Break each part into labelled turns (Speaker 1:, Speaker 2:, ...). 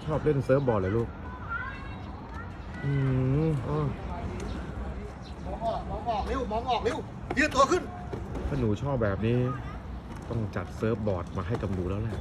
Speaker 1: ชอบเล่นเซิร์ฟบอร์ดเลยลูก
Speaker 2: มองออกเร็วมองออกเร็วยืดตัวขึ้น
Speaker 1: ถ้าหนูชอบแบบนี้ต้องจัดเซิร์ฟบอร์ดมาให้กับหนูแล้วแหละ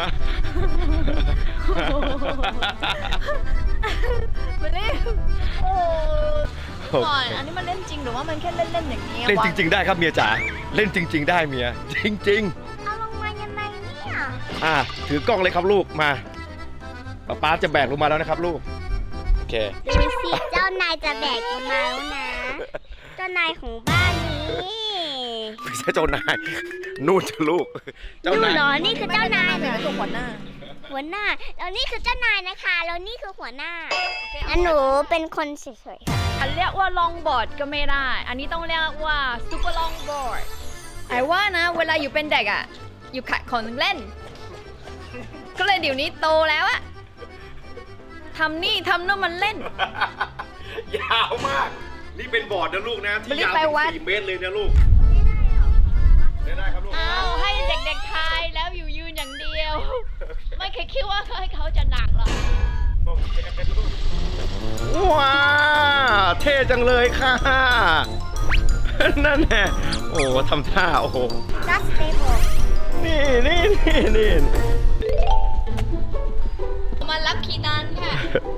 Speaker 3: มาเล่นโอ้ก่อนอันนี้มันเล่นจริงหรือว่ามันแค่เล่นๆอย่างนี้
Speaker 4: เล่นจริงๆได้ครับเมียจ๋าเล่นจริงๆได้เมียจริง
Speaker 3: เอาลงมายังไงเนี่ย
Speaker 4: ถือกล้องเลยครับลูกมาป๊าจะแบกลงมาแล้วนะครับลูกโอเค
Speaker 3: ดูสิเจ้านายจะแบกลงมาแล้วนะเจ้านายของบ้านนี้
Speaker 4: ไม่ใช่เจ้านายนู่นจะลูก
Speaker 3: เจ้านายเหรอนี่คือเจ้านายเหรอ
Speaker 5: หัวหน้า
Speaker 3: แล้วนี่คือเจ้านายนะคะแล้วนี่คือหัวหน้าอันหนูเป็นคนเฉยๆค่ะ
Speaker 5: อันเรียกว่าลองบอร์ดก็ไม่ได้อันนี้ต้องเรียกว่าซูเปอร์ลองบอร์ดไอ้ว่านะเวลาอยู่เป็นเด็กอ่ะอยู่ขัดของเล่นก็เลยเดี๋ยวนี้โตแล้วอะทำนี่ทำนู่นมันเล่น
Speaker 4: ยาวมากนี่เป็นบอร์ดนะลูกนะที่ยาว4 เมตรเลยนะลูกได้ครับลูก
Speaker 5: เอาให้เด็กๆทายแล้วอยู่ยืนอย่างเดียวไม่เคยคิดว่าให้เขาจะหนักหรอก
Speaker 4: ว้าเท่จังเลยค่ะนั่นแหละโอ้ทำท่าโอ้โห
Speaker 3: Just stable
Speaker 4: นี่
Speaker 5: มารับคีนันค่ะ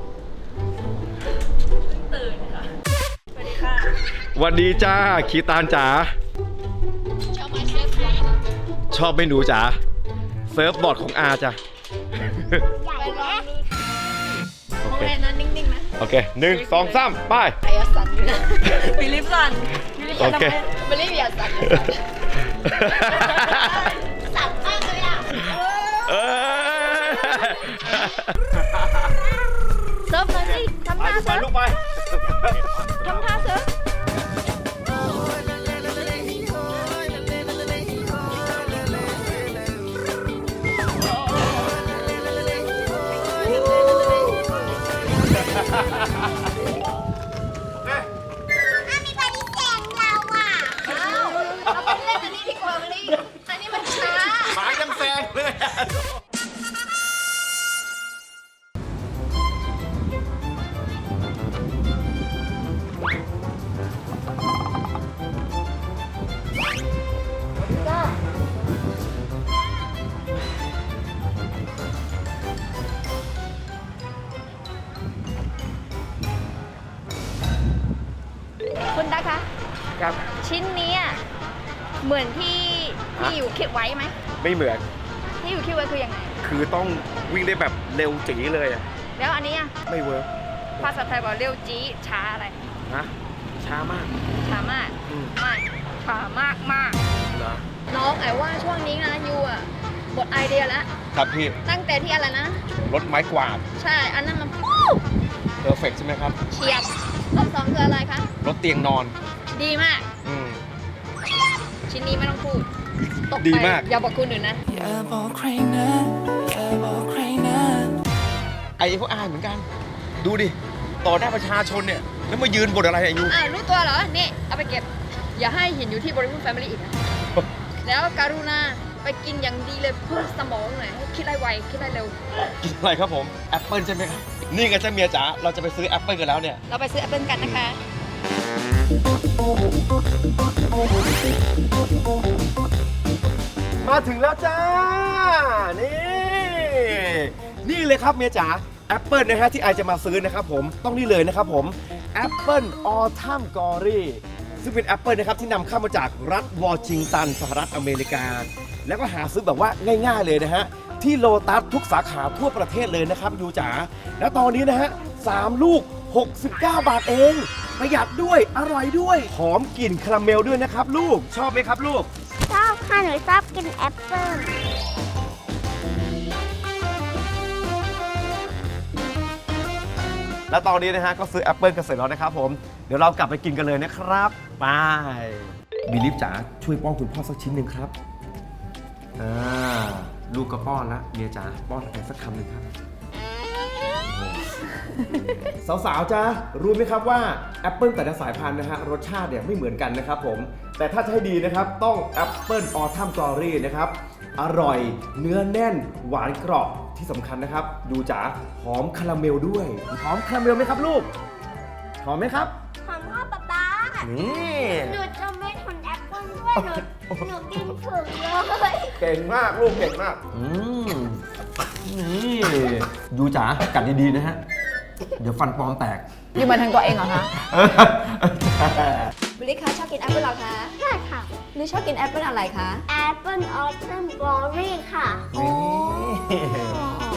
Speaker 5: ตื่นค่ะสวัสดีค่ะ
Speaker 4: สวัสดีจ้าคีตานจ๋า
Speaker 5: ชอบมาเชฟ
Speaker 4: ชอบเมนูจ๋าเซิร์ฟบอร์ดของอาจ้ะ
Speaker 3: ใหญ่ไหม
Speaker 5: โอเคนะนิ่งๆนะ
Speaker 4: โอเค1 2 3ไป
Speaker 5: ไอ้สันอยู่นะบิลิฟสัน
Speaker 4: โอเค
Speaker 5: บิลิฟอย่าสันสันมากเลยอ่ะเซิร์ฟเลยสิทำท่าเซิร์ฟ
Speaker 4: ลูกไป
Speaker 5: ทำท่าเซิร์ฟ
Speaker 3: มีบริแสงเราอ่ะ
Speaker 5: เราไปเล่นอันนี้ดีกว่าวันนี้อันนี้มันช้า
Speaker 4: หมายังแซงเลย
Speaker 5: คุณตาคะ
Speaker 4: ครับ
Speaker 5: ชิ้นนี้เหมือนที่อยู่คิดไว้ไหม
Speaker 4: ไม่เหมือน
Speaker 5: ที่อยู่คิดไว้คือยังไง
Speaker 4: คือต้องวิ่งได้แบบเร็วจี๋เลยอะ
Speaker 5: แล้วอันนี้
Speaker 4: ไม่เวิร์ก
Speaker 5: ภาษาไทยบอกเร็วจี๊ช้าอะไร
Speaker 4: นะช้ามาก
Speaker 5: ช้ามากไม่ช้ามาก
Speaker 4: เหรอ
Speaker 5: น้องไอ้ว่าช่วงนี้นะยูหมดไอเดียแล้ว
Speaker 4: ครับพี่
Speaker 5: ตั้งแต่ที่อะไรนะ
Speaker 4: รถไม้กวาด
Speaker 5: ใช่อันนั้นมัน
Speaker 4: เพอร์เฟกต์ใช่ไหมครับ
Speaker 5: เฉียบรอบสองคืออะไรคะ
Speaker 4: รถเตียงนอน
Speaker 5: ดีมากชิ้นนี้ไม่ต้องพูดตกไป
Speaker 4: ดีมาก
Speaker 5: อย่าบอกคุณอื่นนะ
Speaker 4: ไอ้พวกอายเหมือนกันดูดิต่อหน้าประชาชนเนี่ยแล้วมายืนบนอะไรอายุ
Speaker 5: รู้ตัวเหรอนี่เอาไปเก็บอย่าให้เห็นอยู่ที่บริบูรณ์แฟมิลี่อีกนะแล้วการุณาไปกินอย่างดีเลยเพิ่มสมองหน่อยให้คิดได้ไวคิดได้เร็ว
Speaker 4: กินอะไรครับผมแอปเปิลใช่ไหมครับนี่ไงเจ้าเมียจ๋าเราจะไปซื้อแอปเปิลกันแล้วเนี่ย
Speaker 5: เราไปซื้อแอปเปิลกันนะคะ
Speaker 4: มาถึงแล้วจ้านี่เลยครับเมียจ๋าแอปเปิลนะฮะที่ไอจะมาซื้อนะครับผมต้องนี่เลยนะครับผมแอปเปิลออทัมกอรี่ซึ่งเป็นแอปเปิลนะครับที่นำเข้ามาจากรัฐวอชิงตันสหรัฐอเมริกาแล้วก็หาซื้อแบบว่าง่ายๆเลยนะฮะที่โลตัสทุกสาขาทั่วประเทศเลยนะครับยูจ๋าแล้วตอนนี้นะฮะ3 ลูก69 บาทเองประหยัดด้วยอร่อยด้วยหอมกลิ่นคาราเมลด้วยนะครับลูกชอบไหมครับลูก
Speaker 3: ชอบค่ะหนูชอบกินแอปเปิ้ล
Speaker 4: แล้วตอนนี้นะฮะก็ซื้อแอปเปิลกันเสร็จแล้วนะครับผมเดี๋ยวเรากลับไปกินกันเลยนะครับไปบิลิฟจ๋าช่วยป้อนคุณพ่อสักชิ้นหนึ่งครับลูกก็ป้อนละเมียจ๋าป้อนอะไรสักคำหนึ่งครับสาวๆจ้ารู้ไหมครับว่าแอปเปิลแต่ละสายพันธุ์นะฮะรสชาติเนี่ยไม่เหมือนกันนะครับผมแต่ถ้าจะให้ดีนะครับต้องแอปเปิลออทัมกอรี่นะครับอร่อย เนื้อแน่น หวานกรอบที่สำคัญนะครับ ดูจ๋าหอมคาราเมลด้วย หอมคาราเมลไหมครับลูก หอมไหมครับ
Speaker 3: หอมพ่อป๊าป๊า
Speaker 4: นี่
Speaker 3: หนูจะไม่ทนแอปเปิ้ลด้วยหนูกินถึงเลย
Speaker 4: เก่งมากลูกเก่งมากนี่ดูจ๋ากัดดีๆนะฮะ เดี๋ยวฟันปลอมแตก
Speaker 5: อยู่มาทางตัวเองเหรอคะบิลลี่คะชอบกินแอปเปิ้ลเหรอคะ
Speaker 3: ใช่ค่ะ
Speaker 5: หรือชอบกินแอปเปิ้ลอะไรคะ
Speaker 3: แอปเปิ้ลออทัมกลอรี่ค่ะ
Speaker 4: นี่